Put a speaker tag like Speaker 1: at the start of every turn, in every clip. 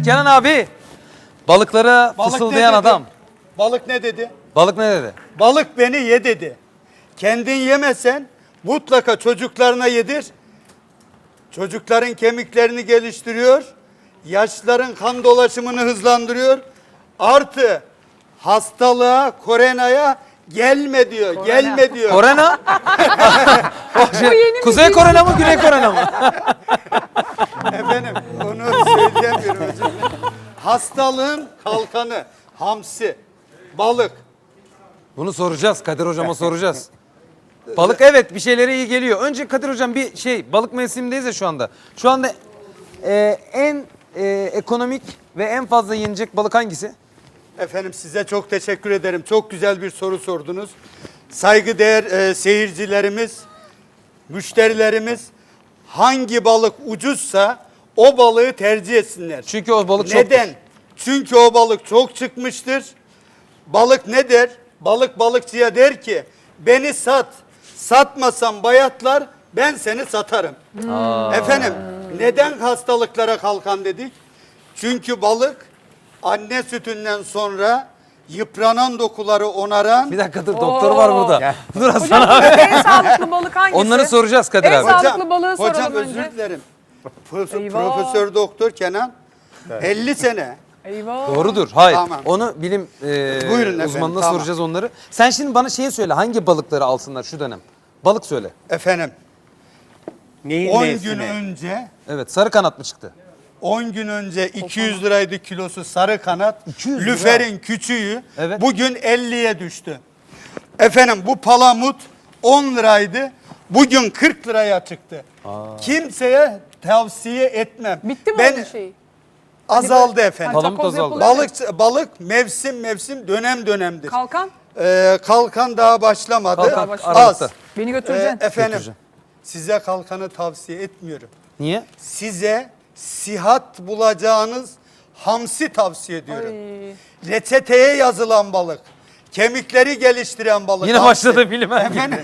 Speaker 1: Kenan abi. Balıklara
Speaker 2: Balık
Speaker 1: fısıldayan
Speaker 2: ne dedi?
Speaker 1: adam.
Speaker 2: Balık ne dedi?
Speaker 1: Balık ne dedi?
Speaker 2: Balık beni ye dedi. Kendin yemesen mutlaka çocuklarına yedir. Çocukların kemiklerini geliştiriyor. Yaşlıların kan dolaşımını hızlandırıyor. Artı hastalığa, koronaya gelme diyor. Gelme diyor.
Speaker 1: Korena? Kuzey Korena mı, Güney Korena mı?
Speaker 2: Efendim onu söyleyemiyorum hocam. Hastalığın kalkanı hamsi, balık.
Speaker 1: Bunu soracağız. Kadir hocama soracağız. Balık evet bir şeylere iyi geliyor. Önce Kadir hocam bir balık mevsimindeyiz ya şu anda. Şu anda en ekonomik ve en fazla yenecek balık hangisi?
Speaker 2: Efendim size çok teşekkür ederim. Çok güzel bir soru sordunuz. Saygıdeğer seyircilerimiz, müşterilerimiz hangi balık ucuzsa o balığı tercih etsinler.
Speaker 1: Çünkü o balık çok.
Speaker 2: Neden? Çünkü o balık çok çıkmıştır. Balık ne der? Balık balıkçıya der ki beni sat. Satmasam bayatlar ben seni satarım. Efendim neden hastalıklara kalkan dedik? Çünkü balık anne sütünden sonra yıpranan dokuları onaran.
Speaker 1: Bir dakika dur doktor var burada. Dur Hasan
Speaker 3: Hocam
Speaker 1: abi.
Speaker 3: en sağlıklı balık hangisi?
Speaker 1: Onları soracağız Kadir
Speaker 3: En
Speaker 1: abi.
Speaker 3: sağlıklı balığı soralım
Speaker 2: hocam
Speaker 3: önce.
Speaker 2: özür dilerim.
Speaker 3: Eyvah.
Speaker 2: Profesör Doktor Kenan 50 sene.
Speaker 3: Eyvah.
Speaker 1: Doğrudur. Hayır.
Speaker 2: Tamam.
Speaker 1: Onu bilim
Speaker 2: Buyurun efendim,
Speaker 1: uzmanına
Speaker 2: tamam.
Speaker 1: soracağız onları. Sen şimdi bana söyle. Hangi balıkları alsınlar şu dönem? Balık söyle.
Speaker 2: Efendim
Speaker 4: Neyin
Speaker 2: 10 gün
Speaker 4: mevsimi?
Speaker 2: önce
Speaker 1: Evet. Sarı kanat mı çıktı?
Speaker 2: 10 gün önce 200 liraydı kilosu sarı kanat.
Speaker 1: 200 lira.
Speaker 2: Lüferin küçüğü
Speaker 1: Evet.
Speaker 2: bugün 50'ye düştü. Efendim bu palamut 10 liraydı. Bugün 40 liraya çıktı. Kimseye tavsiye etmem.
Speaker 3: Bitti mi
Speaker 2: Ben
Speaker 3: onun şeyi?
Speaker 2: azaldı efendim.
Speaker 1: Palamut
Speaker 3: Takoz
Speaker 1: azaldı.
Speaker 3: yapılıyor.
Speaker 2: Balık mevsim dönem dönemdir.
Speaker 3: Kalkan.
Speaker 2: Kalkan daha başlamadı.
Speaker 1: Kalkan
Speaker 2: Az.
Speaker 1: Aralık'ta.
Speaker 3: Beni götüreceksin.
Speaker 2: Efendim
Speaker 1: Götüreceğim.
Speaker 2: size kalkanı tavsiye etmiyorum.
Speaker 1: Niye?
Speaker 2: Size sihat bulacağınız hamsi tavsiye ediyorum.
Speaker 3: Ay.
Speaker 2: Reçeteye yazılan balık. Kemikleri geliştiren balık.
Speaker 1: Yine
Speaker 2: hamsi.
Speaker 1: başladı bilime.
Speaker 2: Efendim,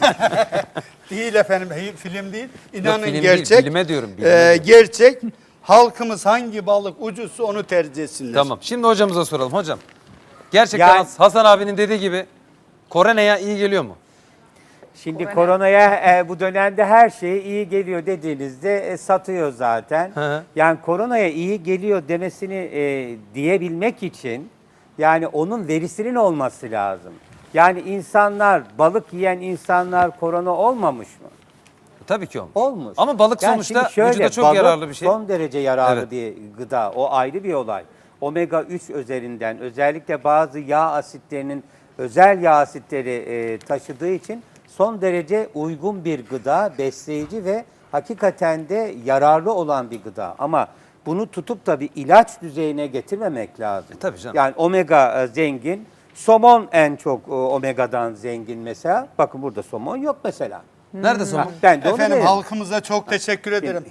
Speaker 2: değil efendim film değil. İnanın
Speaker 1: film değil,
Speaker 2: gerçek.
Speaker 1: bilime diyorum, bilime diyorum.
Speaker 2: Gerçek. Halkımız hangi balık ucuzsa onu tercih etsinler.
Speaker 1: Tamam. Şimdi hocamıza soralım. Hocam. Gerçekten
Speaker 4: Yani-
Speaker 1: Hasan abinin dediği gibi Korene'ye iyi geliyor mu?
Speaker 4: Şimdi koronaya bu dönemde her şey iyi geliyor dediğinizde satıyor zaten.
Speaker 1: Hı hı.
Speaker 4: Yani koronaya iyi geliyor demesini diyebilmek için yani onun verisinin olması lazım. Yani insanlar, balık yiyen insanlar korona olmamış mı?
Speaker 1: Tabii ki olmuş.
Speaker 4: Olmuş.
Speaker 1: Ama balık
Speaker 4: Yani
Speaker 1: sonuçta
Speaker 4: şimdi şöyle,
Speaker 1: vücuda çok
Speaker 4: balık
Speaker 1: yararlı bir şey.
Speaker 4: Son derece yararlı
Speaker 1: Evet.
Speaker 4: bir gıda. O ayrı bir olay. Omega 3 üzerinden özellikle bazı yağ asitlerinin özel yağ asitleri taşıdığı için son derece uygun bir gıda, besleyici ve hakikaten de yararlı olan bir gıda. Ama bunu tutup da bir ilaç düzeyine getirmemek lazım.
Speaker 1: Tabii canım.
Speaker 4: Yani omega zengin, somon en çok omegadan zengin mesela. Bakın burada somon yok mesela.
Speaker 1: Nerede somon?
Speaker 4: Ben de onu
Speaker 2: Efendim
Speaker 4: derim.
Speaker 2: halkımıza çok teşekkür ederim.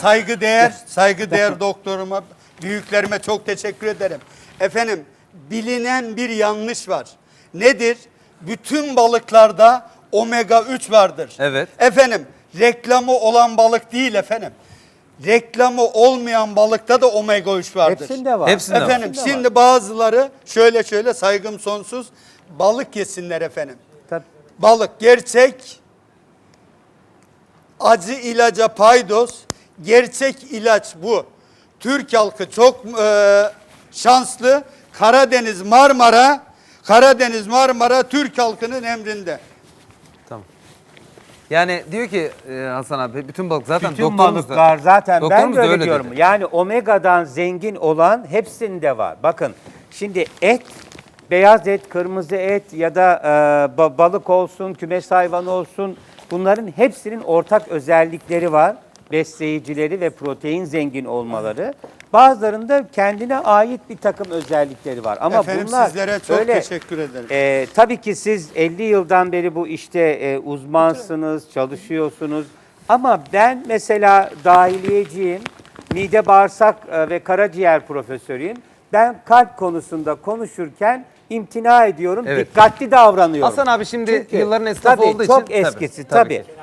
Speaker 2: Saygıdeğer doktoruma, büyüklerime çok teşekkür ederim. Efendim bilinen bir yanlış var. Nedir? Bütün balıklarda omega 3 vardır.
Speaker 1: Evet.
Speaker 2: Efendim reklamı olan balık değil efendim. Reklamı olmayan balıkta da omega 3 vardır.
Speaker 4: Hepsinde var.
Speaker 1: Hepsinde var.
Speaker 2: Efendim
Speaker 4: Hepsinde var.
Speaker 2: şimdi bazıları şöyle saygım sonsuz balık yesinler efendim.
Speaker 4: Tabii.
Speaker 2: Balık gerçek acı ilaca paydos, gerçek ilaç bu. Türk halkı çok şanslı. Karadeniz Marmara Türk halkının emrinde.
Speaker 1: Tamam. Yani diyor ki Hasan abi bütün balık zaten
Speaker 4: Bütün
Speaker 1: doktorumuz da-
Speaker 4: balıklar zaten ben
Speaker 1: doktorumuz
Speaker 4: de
Speaker 1: da
Speaker 4: öyle diyorum.
Speaker 1: dedi.
Speaker 4: Yani omegadan zengin olan hepsinde var. Bakın şimdi et, beyaz et, kırmızı et ya da balık olsun, kümes hayvanı olsun bunların hepsinin ortak özellikleri var. Besleyicileri ve protein zengin olmaları. Bazılarında kendine ait bir takım özellikleri var. Ama
Speaker 2: Efendim
Speaker 4: bunlar
Speaker 2: sizlere çok
Speaker 4: öyle,
Speaker 2: teşekkür ederim.
Speaker 4: tabii ki siz 50 yıldan beri bu işte uzmansınız, çalışıyorsunuz. Ama ben mesela dahiliyeciyim, mide bağırsak ve karaciğer profesörüyüm. Ben kalp konusunda konuşurken imtina ediyorum,
Speaker 1: Evet.
Speaker 4: dikkatli davranıyorum.
Speaker 1: Hasan abi şimdi
Speaker 4: Çünkü
Speaker 1: yılların esnafı
Speaker 4: tabii,
Speaker 1: olduğu için.
Speaker 4: çok eskisi tabii.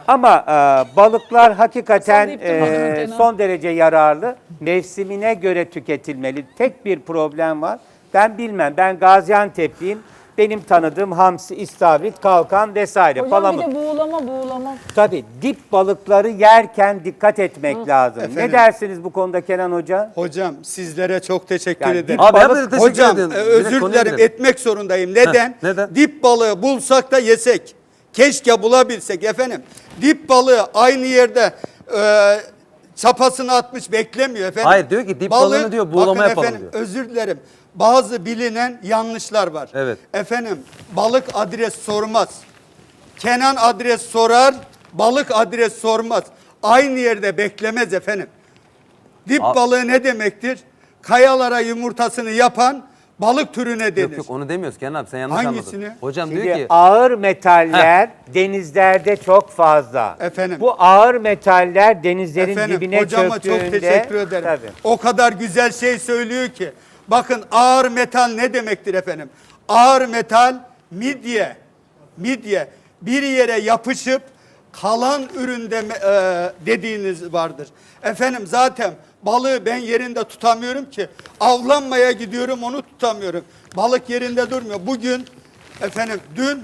Speaker 4: Ama balıklar hakikaten
Speaker 3: Sallayıp durma Kenan.
Speaker 4: son derece yararlı. Mevsimine göre tüketilmeli. Tek bir problem var. Ben bilmem. Ben Gaziantep'liyim. Benim tanıdığım hamsi, istavrit, kalkan vesaire.
Speaker 3: Hocam
Speaker 4: palamut.
Speaker 3: bir de buğulama.
Speaker 4: Tabii dip balıkları yerken dikkat etmek lazım.
Speaker 2: Efendim?
Speaker 4: Ne dersiniz bu konuda Kenan Hoca?
Speaker 2: Hocam sizlere çok teşekkür
Speaker 4: Yani
Speaker 2: ederim.
Speaker 1: Abi
Speaker 4: balık-
Speaker 1: hep de teşekkür
Speaker 2: Hocam
Speaker 1: ediyorum.
Speaker 2: özür
Speaker 1: Direkt konuya
Speaker 2: dilerim
Speaker 1: girelim.
Speaker 2: etmek zorundayım. Neden?
Speaker 1: Heh, neden?
Speaker 2: Dip balığı bulsak da yesek. Keşke bulabilsek efendim. Dip balığı aynı yerde çapasını atmış beklemiyor efendim.
Speaker 1: Hayır, diyor ki dip balığını diyor, buğulama
Speaker 2: bakın
Speaker 1: yapalım
Speaker 2: efendim,
Speaker 1: diyor.
Speaker 2: özür dilerim. Bazı bilinen yanlışlar var.
Speaker 1: Evet.
Speaker 2: Efendim balık adres sormaz. Kenan adres sorar, balık adres sormaz. Aynı yerde beklemez efendim. Dip balığı ne demektir? Kayalara yumurtasını yapan balık türüne denir.
Speaker 1: Yok yok onu demiyoruz Kenan abi sen yanlış
Speaker 2: Hangisini?
Speaker 1: anladın. Hocam
Speaker 4: Şimdi
Speaker 1: diyor ki
Speaker 4: ağır metaller denizlerde çok fazla.
Speaker 2: Efendim.
Speaker 4: Bu ağır metaller denizlerin
Speaker 2: Efendim
Speaker 4: dibine
Speaker 2: hocama
Speaker 4: çöktüğünde...
Speaker 2: çok teşekkür ederim.
Speaker 4: Tabii.
Speaker 2: O kadar güzel şey söylüyor ki. Bakın ağır metal ne demektir efendim? Ağır metal midye. Midye bir yere yapışıp kalan üründe dediğiniz vardır. Efendim zaten balığı ben yerinde tutamıyorum ki. Avlanmaya gidiyorum onu tutamıyorum. Balık yerinde durmuyor. Bugün efendim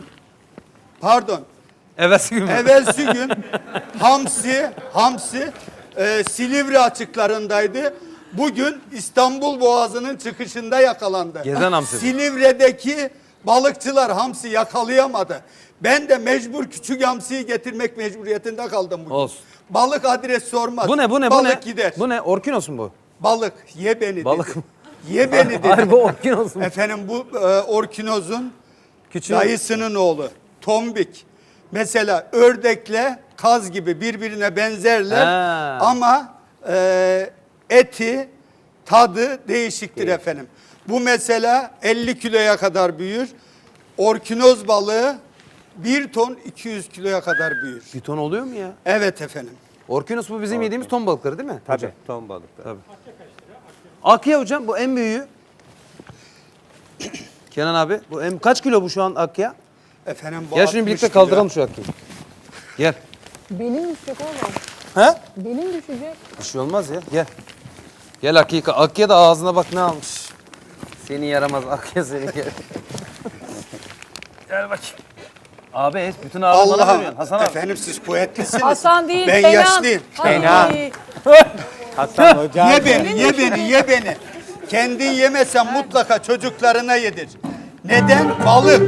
Speaker 1: evvelsi gün mü?
Speaker 2: evvelsi gün hamsi Silivri açıklarındaydı. Bugün İstanbul Boğazı'nın çıkışında yakalandı.
Speaker 1: Gezen hamsi.
Speaker 2: Silivri'deki balıkçılar hamsi yakalayamadı. Ben de mecbur küçük hamsiyi getirmek mecburiyetinde kaldım bugün.
Speaker 1: Olsun.
Speaker 2: Balık adres sormaz.
Speaker 1: Bu ne?
Speaker 2: Balık gider.
Speaker 1: Bu ne? Orkinos mu bu?
Speaker 2: Balık ye beni
Speaker 1: Balık
Speaker 2: dedi.
Speaker 1: mı?
Speaker 2: Ye beni dedi.
Speaker 1: Hayır bu orkinos mu?
Speaker 2: Efendim bu orkinozun
Speaker 1: Küçüğü.
Speaker 2: dayısının oğlu tombik. Mesela ördekle kaz gibi birbirine benzerler
Speaker 1: Ha.
Speaker 2: ama eti tadı değişiktir efendim. Bu mesela 50 kiloya kadar büyür. Orkinoz balığı 1 ton 200 kiloya kadar büyür.
Speaker 1: Bir ton oluyor mu ya?
Speaker 2: Evet efendim.
Speaker 1: Orkinos bu bizim yediğimiz ton balıkları değil mi?
Speaker 4: Tabii,
Speaker 1: hocam?
Speaker 4: ton balıkları.
Speaker 1: Tabii. Akya hocam bu en büyüğü. Kenan abi bu kaç kilo bu şu an akya?
Speaker 2: Efendim bu
Speaker 1: Gel şunu
Speaker 2: 60
Speaker 1: birlikte
Speaker 2: kilo.
Speaker 1: kaldıralım şu akyayı. Gel.
Speaker 3: Benim düşecek oğlum.
Speaker 1: He?
Speaker 3: Benim düşecek.
Speaker 1: Bir şey olmaz ya. Gel. Gel Akya. Akya da ağzına bak ne almış. Seni yaramaz Akya seni gel. Gel bakayım. Abi bütün ağırlığı bana
Speaker 2: Allah'ım
Speaker 1: veriyorsun Hasan abi.
Speaker 2: efendim siz kuvvetlisiniz.
Speaker 3: Hasan değil,
Speaker 2: Ben
Speaker 3: Kenan.
Speaker 2: yaşlıyım.
Speaker 4: Kenan.
Speaker 3: Ay.
Speaker 4: Hasan Hoca.
Speaker 2: Ye beni, ye beni, ye beni. Kendin yemesen mutlaka çocuklarına yedir. Neden? Balık.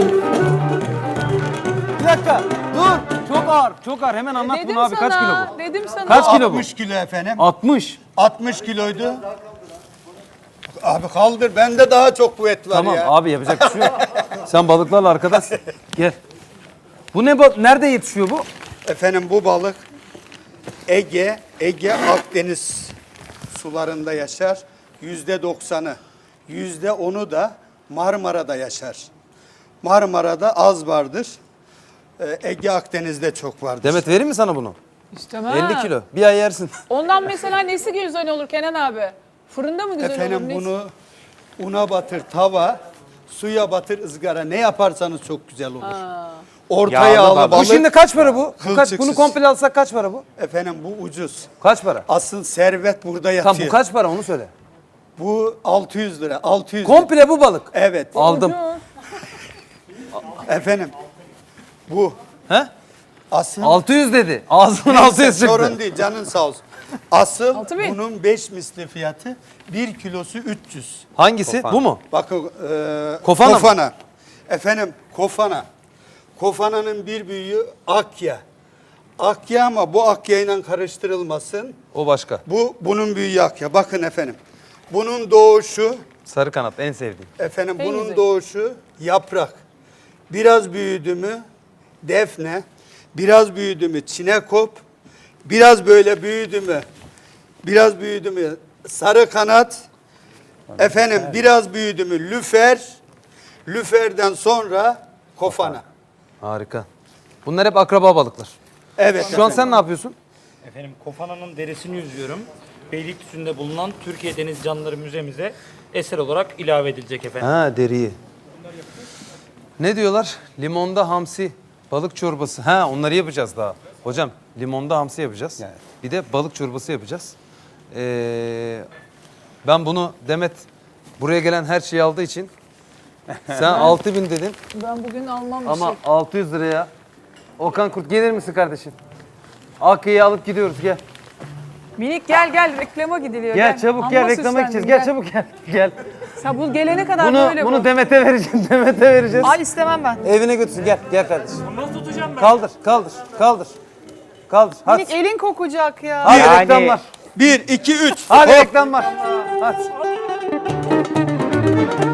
Speaker 1: Bir dakika dur. Çok ağır. Çok ağır. Hemen anlat
Speaker 3: Dedim
Speaker 1: bunu abi. Kaç kilo
Speaker 3: sana,
Speaker 1: bu?
Speaker 3: Dedim sana.
Speaker 1: Kaç kilo bu?
Speaker 2: 60 kilo efendim.
Speaker 1: 60.
Speaker 2: 60 kiloydu. Abi kaldır. Bende daha çok kuvvet var
Speaker 1: Tamam
Speaker 2: ya.
Speaker 1: abi yapacak bir şey yok. Sen balıklarla arkadaşsın. Gel. Bu ne nerede yetişiyor bu?
Speaker 2: Efendim bu balık Ege Akdeniz sularında yaşar. %90'ı. %10'u da Marmara'da yaşar. Marmara'da az vardır. Ege Akdeniz'de çok vardır.
Speaker 1: Demet vereyim mi sana bunu?
Speaker 3: İstemem.
Speaker 1: 50 kilo. Bir ay yersin.
Speaker 3: Ondan mesela nesi güzel olur Kenan abi? Fırında mı güzel
Speaker 2: Efendim
Speaker 3: olur? nesi?
Speaker 2: bunu una batır tava, suya batır ızgara. Ne yaparsanız çok güzel olur. Orta
Speaker 4: Yağlı
Speaker 2: yağlı
Speaker 4: balık.
Speaker 1: Bu
Speaker 2: balık.
Speaker 1: şimdi kaç para bu? Bunu
Speaker 2: Kılçıksız.
Speaker 1: komple alsak kaç para bu?
Speaker 2: Efendim bu ucuz.
Speaker 1: Kaç para?
Speaker 2: Asıl servet burada yatıyor.
Speaker 1: Tamam bu kaç para onu söyle.
Speaker 2: Bu 600 lira. 600 lira.
Speaker 1: Komple bu balık.
Speaker 2: Evet.
Speaker 1: Aldım.
Speaker 2: Efendim bu
Speaker 1: He?
Speaker 2: asıl
Speaker 1: 600 dedi. Ağzının 600 çıktı.
Speaker 2: sorun değil canın sağ olsun. Asıl
Speaker 3: 6000.
Speaker 2: bunun 5 misli fiyatı 1 kilosu 300.
Speaker 1: Hangisi?
Speaker 4: Kofan.
Speaker 1: Bu mu?
Speaker 2: Bakın
Speaker 1: Kofana mı?
Speaker 2: kofana. Efendim kofana. Kofananın bir büyüğü akya. Akya ama bu akyayla karıştırılmasın.
Speaker 1: O başka.
Speaker 2: Bunun büyüğü akya. Bakın efendim. Bunun doğuşu
Speaker 1: Sarı kanat en sevdiğim.
Speaker 2: efendim
Speaker 3: En
Speaker 2: bunun
Speaker 3: güzel.
Speaker 2: doğuşu yaprak. Biraz büyüdü mü defne, biraz büyüdü mü çinekop, biraz böyle büyüdü mü sarı kanat, efendim biraz büyüdü mü lüferden sonra kofana.
Speaker 1: Harika. Bunlar hep akraba balıklar.
Speaker 2: Evet
Speaker 1: Şu an
Speaker 2: efendim.
Speaker 1: sen ne yapıyorsun?
Speaker 5: Efendim Kofana'nın derisini yüzüyorum. Beylikdüzü'nde bulunan Türkiye Deniz Canlıları Müzemize eser olarak ilave edilecek efendim.
Speaker 1: Ha deriyi. Ne diyorlar? Limonda hamsi, balık çorbası. Ha onları yapacağız daha. Hocam limonda hamsi yapacağız.
Speaker 4: Evet.
Speaker 1: Bir de balık çorbası yapacağız. Ben bunu Demet buraya gelen her şeyi aldığı için sen 6000 dedin
Speaker 3: Ben bugün almam bir
Speaker 1: ama
Speaker 3: şey.
Speaker 1: 600 liraya. Okan Kurt gelir misin kardeşim? Akıyı alıp gidiyoruz gel.
Speaker 3: Minik gel reklama gidiliyor.
Speaker 1: Gel çabuk gel
Speaker 3: Amma
Speaker 1: reklama
Speaker 3: süslendin,
Speaker 1: gideceğiz. Gel çabuk gel. Gel.
Speaker 3: Sen bu gelene kadar
Speaker 1: Bunu
Speaker 3: böyle
Speaker 1: bunu
Speaker 3: bu.
Speaker 1: Demet'e vereceğim. Demet'e vereceğiz.
Speaker 3: Ay istemem ben.
Speaker 1: Evine götürsün. Gel. Gel kardeşim. Nasıl tutacağım ben? Kaldır. Kaldır. Hadi.
Speaker 3: Minik elin kokacak ya.
Speaker 1: Hadi
Speaker 4: Yani-
Speaker 1: reklam var.
Speaker 2: 1, 2, 3.
Speaker 1: Hadi reklam var. Hadi.